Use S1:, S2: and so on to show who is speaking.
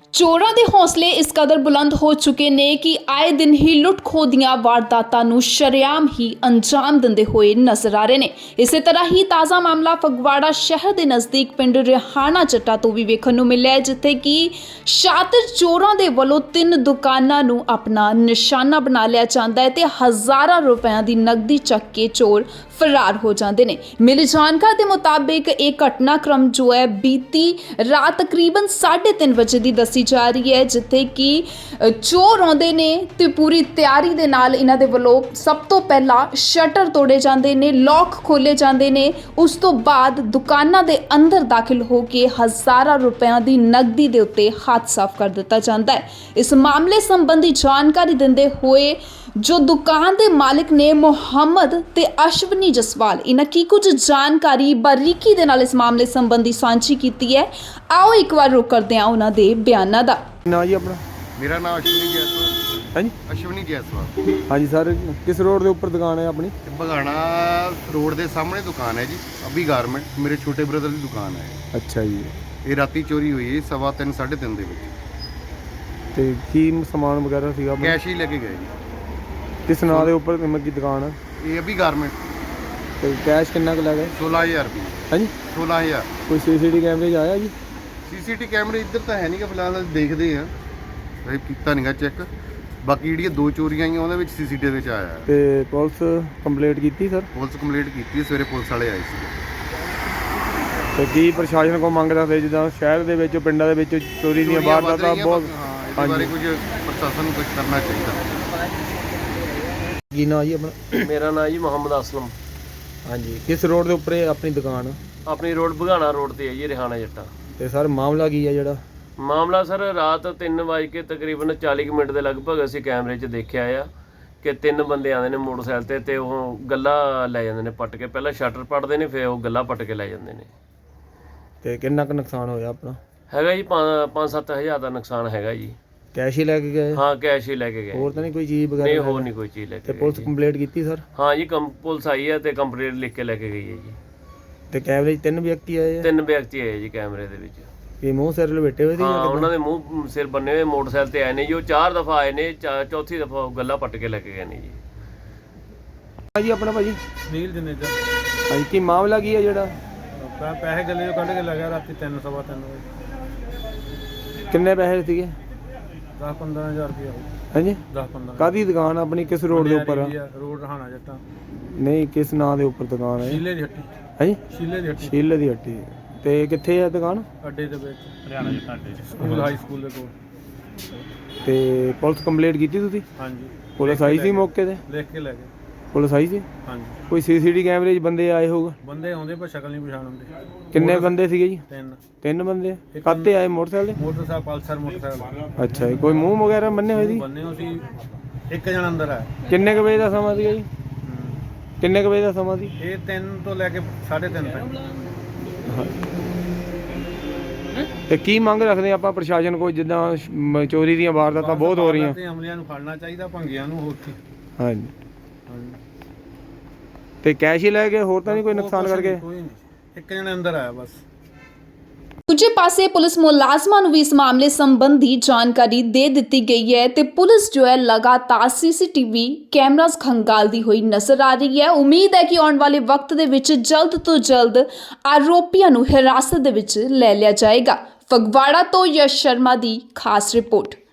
S1: ਚੋਰਾਂ ਦੇ ਹੌਸਲੇ ਇਸ ਕਦਰ ਬੁਲੰਦ ਹੋ ਚੁੱਕੇ ਨੇ ਕਿ ਆਏ ਦਿਨ ਹੀ ਲੁੱਟ-ਖੋਹ ਦੀਆਂ ਵਾਰਦਾਤਾਂ ਨੂੰ ਸ਼ਰੇਆਮ ਹੀ ਅੰਜਾਮ ਦਿੰਦੇ ਹੋਏ ਨਜ਼ਰ ਆ ਰਹੇ ਨੇ। ਇਸੇ ਤਰ੍ਹਾਂ ਹੀ ਤਾਜ਼ਾ ਮਾਮਲਾ ਫਗਵਾੜਾ ਸ਼ਹਿਰ ਦੇ ਨਜ਼ਦੀਕ ਪਿੰਡ ਰਿਹਾਣਾ ਚੱਟਾ ਤੋਂ ਵੀ ਵੇਖਣ ਨੂੰ ਮਿਲਿਆ ਹੈ, ਜਿੱਥੇ ਕਿ ਸ਼ਾਤਰ ਚੋਰਾਂ ਦੇ ਵੱਲੋਂ 3 ਦੁਕਾਨਾਂ ਨੂੰ ਆਪਣਾ ਨਿਸ਼ਾਨਾ ਬਣਾ ਲਿਆ ਜਾਂਦਾ ਹੈ ਤੇ ਹਜ਼ਾਰਾਂ ਰੁਪਏ ਦੀ ਨਕਦੀ ਚੱਕ ਕੇ ਚੋਰ ਫਰਾਰ ਹੋ ਜਾਂਦੇ ਨੇ। ਮਿਲੀ ਜਾਣਕਾਰੀ ਦੇ ਮੁਤਾਬਿਕ ਇਹ ਘਟਨਾਕ੍ਰਮ ਜੋ ਹੈ ਬੀਤੀ ਰਾਤ ਤਕਰੀਬਨ 3:30 ਵਜੇ ਦੀ ਦੱਸੀ ਜਾ ਰਹੀ ਹੈ, ਜਿੱਥੇ ਕਿ ਚੋਰ ਆਉਂਦੇ ਨੇ ਤੇ ਪੂਰੀ ਤਿਆਰੀ ਦੇ ਨਾਲ ਇਹਨਾਂ ਦੇ ਵੱਲੋਂ ਸਭ ਤੋਂ ਪਹਿਲਾਂ ਸ਼ਟਰ ਤੋੜੇ ਜਾਂਦੇ ਨੇ, ਲੌਕ ਖੋਲੇ ਜਾਂਦੇ ਨੇ। ਉਸ ਤੋਂ ਬਾਅਦ ਦੁਕਾਨਾਂ ਦੇ ਅੰਦਰ ਦਾਖਲ ਹੋ ਕੇ ਹਜ਼ਾਰਾਂ ਰੁਪਇਆਂ ਦੀ ਨਕਦੀ ਦੇ ਉੱਤੇ ਹੱਥ ਸਾਫ਼ ਕਰ ਦਿੱਤਾ ਜਾਂਦਾ ਹੈ। ਇਸ ਮਾਮਲੇ ਸੰਬੰਧੀ ਜਾਣਕਾਰੀ ਦਿੰਦੇ ਹੋਏ ਜੋ ਦੁਕਾਨ ਦੇ ਮਾਲਕ ਨੇ ਮੁਹੰਮਦ ਤੇ ਅਸ਼ਵਨੀ ਜਸਵਾਲ, ਇਹਨਾਂ ਕੀ ਕੁਝ ਜਾਣਕਾਰੀ ਬਾਰੀਕੀ ਦੇ ਨਾਲ ਇਸ ਮਾਮਲੇ ਸੰਬੰਧੀ ਸਾਂਝੀ ਕੀਤੀ ਹੈ। ਆਓ ਇੱਕ ਵਾਰ ਰੁਕ ਕਰਦੇ ਹਾਂ ਉਹਨਾਂ ਦੇ ਬਿਆਨਾਂ ਦਾ।
S2: ਨਾ ਜੀ ਆਪਣਾ
S3: मेरा नाम अश्विनी जायसवाल।
S2: हाँ जी
S3: अश्विनी जायसवाल।
S2: हाँ जी सर, किस रोड के ऊपर दुकान है अपनी?
S3: बघाना रोड के सामने दुकान है जी, अभी गारमेंट मेरे छोटे ब्रदर की दुकान है।
S2: अच्छा जी,
S3: ये राती चोरी हुई है 3:15 3:30 ਦੇ ਵਿੱਚ।
S2: ਤੇ ਕੀ ਸਮਾਨ ਵਗੈਰਾ ਸੀਗਾ ਆਪਣਾ?
S3: ਕੈਸ਼ ਹੀ ਲੈ ਕੇ ਗਏ ਜੀ।
S2: ਕਿਸ ਨਾਂ ਦੇ ਉੱਪਰ ਕੀ ਦੁਕਾਨ ਹੈ?
S3: ਇਹ ਅਭੀ ਗਾਰਮੈਂਟ।
S2: ਤੇ ਕੈਸ਼ ਕਿੰਨਾ ਕੁ ਲੱਗਾ?
S3: 16000 ਰੁਪਏ।
S2: हाँ जी,
S3: 16000।
S2: ਕੋਈ ਸੀਸੀਟੀ ਕੈਮਰੇ 'ਚ ਆਇਆ ਜੀ?
S3: ਸੀਸੀਟੀ ਕੈਮਰੇ ਇੱਧਰ ਤਾਂ ਹੈ ਨਹੀਂ ਕਿ ਫਿਲਹਾਲ ਦੇਖਦੇ ਆ, ਇਹ ਕੀਤਾ ਨਹੀਂਗਾ ਚੈੱਕ। ਬਾਕੀ ਜਿਹੜੀਆਂ 2 ਚੋਰੀਆਂ ਆਈਆਂ ਉਹਦੇ ਵਿੱਚ ਸੀਸੀਟੀ ਵਿੱਚ ਆਇਆ ਹੈ।
S2: ਤੇ ਪੁਲਿਸ ਕੰਪਲੀਟ ਕੀਤੀ ਸਰ?
S3: ਪੁਲਿਸ ਕੰਪਲੀਟ ਕੀਤੀ, ਸਵੇਰੇ ਪੁਲਿਸ ਵਾਲੇ ਆਏ ਸੀ।
S2: ਤੇ ਕੀ ਪ੍ਰਸ਼ਾਸਨ ਕੋ ਮੰਗ ਰੱਖਦੇ ਜਿੱਦਾਂ ਸ਼ਹਿਰ ਦੇ ਵਿੱਚ ਪਿੰਡਾਂ ਦੇ ਵਿੱਚ ਚੋਰੀ ਦੀਆਂ ਵਾਰਦਾਤਾਂ ਬਹੁਤ?
S3: ਹਾਂ, ਇਹਦੇ ਬਾਰੇ ਕੁਝ ਪ੍ਰਸ਼ਾਸਨ ਨੂੰ ਕੁਝ ਕਰਨਾ ਚਾਹੀਦਾ।
S2: ਕੀ ਨਾਂ ਜੀ ਆਪਣਾ?
S4: ਮੇਰਾ ਨਾਮ ਜੀ ਮੁਹੰਮਦ ਅਸਲਮ।
S2: ਹਾਂਜੀ, ਕਿਸ ਰੋਡ ਦੇ ਉੱਪਰ ਇਹ ਆਪਣੀ ਦੁਕਾਨ?
S4: ਆਪਣੀ ਰੋਡ ਬਘਾਣਾ ਰੋਡ ਤੇ ਹੈ ਜੀ, ਰਿਹਾਣਾ ਜੱਟਾ।
S2: ਤੇ ਸਰ ਮਾਮਲਾ ਕੀ ਹੈ ਜਿਹੜਾ?
S4: ਮਾਮਲਾ ਸਰ ਰਾਤ 3 ਵਜੇ ਕੇ ਤਕਰੀਬਨ 40 ਮਿੰਟ ਦੇ ਲਗਭਗ ਅਸੀਂ ਕੈਮਰੇ 'ਚ ਦੇਖਿਆ ਆ ਕਿ 3 ਬੰਦੇ ਆਉਂਦੇ ਨੇ ਮੋਟਰਸਾਈਕਲ ਤੇ ਉਹ ਗੱਲਾ ਲੈ ਜਾਂਦੇ ਨੇ ਪੱਟ ਕੇ। ਪਹਿਲਾਂ ਸ਼ਟਰ ਪੱਟਦੇ ਨੇ, ਫਿਰ ਉਹ ਗੱਲਾ ਪੱਟ ਕੇ ਲੈ ਜਾਂਦੇ ਨੇ।
S2: ਤੇ ਕਿੰਨਾ ਕੁ ਨੁਕਸਾਨ ਹੋਇਆ ਆਪਣਾ?
S4: ਹੈਗਾ ਜੀ 5-7 ਹਜ਼ਾਰ ਦਾ ਨੁਕਸਾਨ ਹੈਗਾ ਜੀ।
S2: ਕੈਸ਼ ਹੀ ਲੈ ਕੇ ਗਏ?
S4: ਹਾਂ, ਕੈਸ਼ ਹੀ ਲੈ ਕੇ ਗਏ।
S2: ਹੋਰ ਤਾਂ ਨਹੀਂ ਕੋਈ ਚੀਜ਼ ਵਗੈਰਾ?
S4: ਨਹੀਂ, ਹੋਰ ਨਹੀਂ ਕੋਈ ਚੀਜ਼ ਲੈ
S2: ਤੇ
S4: ਕੇ
S2: ਪੁਲਿਸ
S4: ਗਏ।
S2: ਕੰਪਲੀਟ ਕੀਤੀ ਸਰ?
S4: ਹਾਂ ਜੀ, ਪੁਲਿਸ ਆਈ ਹੈ ਤੇ ਕੰਪਲੀਟ ਲਿਖ ਕੇ ਲੈ ਕੇ ਗਈ ਹੈ ਜੀ।
S2: ਤੇ ਕੈਮਰੇ 'ਚ 3 ਵਿਅਕਤੀ ਆਏ ਆ?
S4: 3 ਵਿਅਕਤੀ ਆਏ ਜੀ ਕੈਮਰੇ ਦੇ ਵਿੱਚ।
S2: ਇਹ ਮੂੰਹ ਸਿਰ ਲਪੇਟੇ ਹੋਏ ਸੀ?
S4: ਹਾਂ, ਉਹਨਾਂ ਦੇ ਮੂੰਹ ਸਿਰ ਬੰਨੇ ਹੋਏ ਮੋਟਰਸਾਈਕਲ ਤੇ ਆਏ ਨੇ ਜੀ। ਉਹ 4 ਦਫਾ ਆਏ ਨੇ, ਚੌਥੀ ਦਫਾ ਗੱਲਾਂ ਪੱਟ ਕੇ ਲੈ ਕੇ ਗਏ ਨੇ ਜੀ।
S2: ਜੀ ਆਪਣਾ ਭਾਜੀ?
S5: ਨੀਲ ਜਨੇਜਾ।
S2: ਹਾਂਜੀ, ਕੀ ਮਾਮਲਾ ਕੀ ਹੈ ਜਿਹੜਾ?
S5: ਪੈਸੇ ਗੱਲੇ ਚੋਂ ਕੱਢ ਕੇ ਲੈ ਗਿਆ ਰਾਤੀ 3:15 ਵਜੇ।
S2: ਕਿੰਨੇ ਪੈਸੇ ਸੀਗੇ?
S5: 10-15 ਹਜ਼ਾਰ ਰੁਪਇਆ।
S2: ਹਾਂਜੀ,
S5: 10-15।
S2: ਕਾਹਦੀ ਦੁਕਾਨ ਆਪਣੀ? ਕਿਸ ਰੋਡ ਦੇ ਉੱਪਰ ਆ?
S5: ਰੋਡ ਰਹਾਣਾ ਜੱਟਾ।
S2: ਨਹੀਂ, ਕਿਸ ਨਾਂ ਦੇ ਉੱਪਰ ਦੁਕਾਨ ਹੈ?
S5: ਸ਼ੀਲੇ ਦੀ ਹੱਟੀ।
S2: ਹਾਂਜੀ,
S5: ਸ਼ੀਲੇ ਦੀ ਹੱਟੀ
S2: ਸ਼ੀਲੇ ਦੀ ਹੱਟੀ। ਤੇ ਕਿੱਥੇ ਹੈ ਦੁਕਾਨ?
S5: ਅੱਡੇ ਦੇ ਵਿੱਚ, ਹਰਿਆਣਾ ਜੱਟਾ ਅੱਡੇ 'ਚ, ਸਕੂਲ ਹਾਈ ਸਕੂਲ ਦੇ ਕੋਲ।
S2: ਤੇ ਪੁਲਿਸ ਕੰਪਲੀਟ ਕੀਤੀ ਤੁਸੀਂ?
S5: ਹਾਂਜੀ।
S2: ਪੁਲਿਸ ਆਈ ਸੀ ਮੌਕੇ ਤੇ?
S5: ਲਿਖ ਕੇ ਲੈ ਗਏ।
S2: ਪੁਲਿਸ ਆਈ ਸੀ?
S5: ਹਾਂਜੀ।
S2: ਕੋਈ ਸੀਸੀਟੀ ਕੈਮਰੇ 'ਚ ਬੰਦੇ ਆਏ ਹੋਊਗਾ?
S5: ਬੰਦੇ ਆਉਂਦੇ ਪਰ ਸ਼ਕਲ ਨਹੀਂ ਪਛਾਣ ਹੁੰਦੇ।
S2: ਕਿੰਨੇ ਬੰਦੇ ਸੀਗੇ ਜੀ?
S5: 3।
S2: 3 ਬੰਦੇ? ਕਾਹਤੇ ਆਏ? ਮੋਟਰਸਾਈਕਲ ਤੇ?
S5: Motorcycle Pulsar motorcycle.
S2: ਅੱਛਾ ਜੀ, ਕੋਈ ਮੂੰਹ ਵਗੈਰਾ ਬੰਨੇ ਹੋਏ ਸੀ?
S5: ਬੰਨੇ ਹੋ ਸੀ। ਇੱਕ ਜਣਾ ਅੰਦਰ ਆਇਆ।
S2: ਕਿੰਨੇ ਕੁ ਵਜੇ ਦਾ ਸਮਾਂ ਸੀਗਾ ਜੀ? ਕਿੰਨੇ ਕੁ ਵਜੇ ਦਾ ਸਮਾਂ ਸੀ?
S5: ਇਹ 3 ਤੋਂ ਲੈ ਕੇ 3:30 ਤੱਕ।
S2: ਤੇ ਕੀ ਮੰਗ ਰੱਖਦੇ ਆਪਾਂ ਪ੍ਰਸ਼ਾਸਨ ਕੋਲ, ਜਿੱਦਾਂ ਚੋਰੀ ਦੀਆਂ ਵਾਰਦਾਤਾਂ ਬਹੁਤ ਹੋ ਰਹੀਆਂ?
S5: ਹਮਲਿਆਂ ਨੂੰ ਫੜਨਾ ਚਾਹੀਦਾ, ਭੰਗਿਆਂ ਨੂੰ। ਹੋਰ ਕੀ?
S2: ਹਾਂਜੀ।
S5: ਹਾਂਜੀ।
S2: ਤੇ ਕੈਸ਼ ਹੀ ਲੈ ਗਏ? ਹੋਰ ਤਾਂ ਨਹੀਂ ਕੋਈ ਨੁਕਸਾਨ ਕਰਕੇ?
S5: ਕੋਈ ਨਹੀਂ, ਇੱਕ ਜਣੇ ਅੰਦਰ ਆਇਆ ਬਸ।
S1: ਦੂਜੇ ਪਾਸੇ ਪੁਲਿਸ ਮੁਲਾਜ਼ਮਾਂ ਨੂੰ ਵੀ ਇਸ ਮਾਮਲੇ ਸੰਬੰਧੀ ਜਾਣਕਾਰੀ ਦੇ ਦਿੱਤੀ ਗਈ ਹੈ ਤੇ ਪੁਲਿਸ ਜੋ ਹੈ ਲਗਾਤਾਰ ਸੀਸੀਟੀਵੀ ਕੈਮਰਾਸ ਖੰਗਾਲਦੀ ਹੋਈ ਨਜ਼ਰ ਆ ਰਹੀ ਹੈ। ਉਮੀਦ ਹੈ ਕਿ ਆਉਣ ਵਾਲੇ ਵਕਤ ਦੇ ਵਿੱਚ ਜਲਦ ਤੋਂ ਜਲਦ ਆਰੋਪੀਆਂ ਨੂੰ ਹਿਰਾਸਤ ਦੇ ਵਿੱਚ ਲੈ ਲਿਆ ਜਾਏਗਾ। ਫਗਵਾੜਾ ਤੋਂ ਯਸ਼ ਸ਼ਰਮਾ ਦੀ ਖਾਸ ਰਿਪੋਰਟ।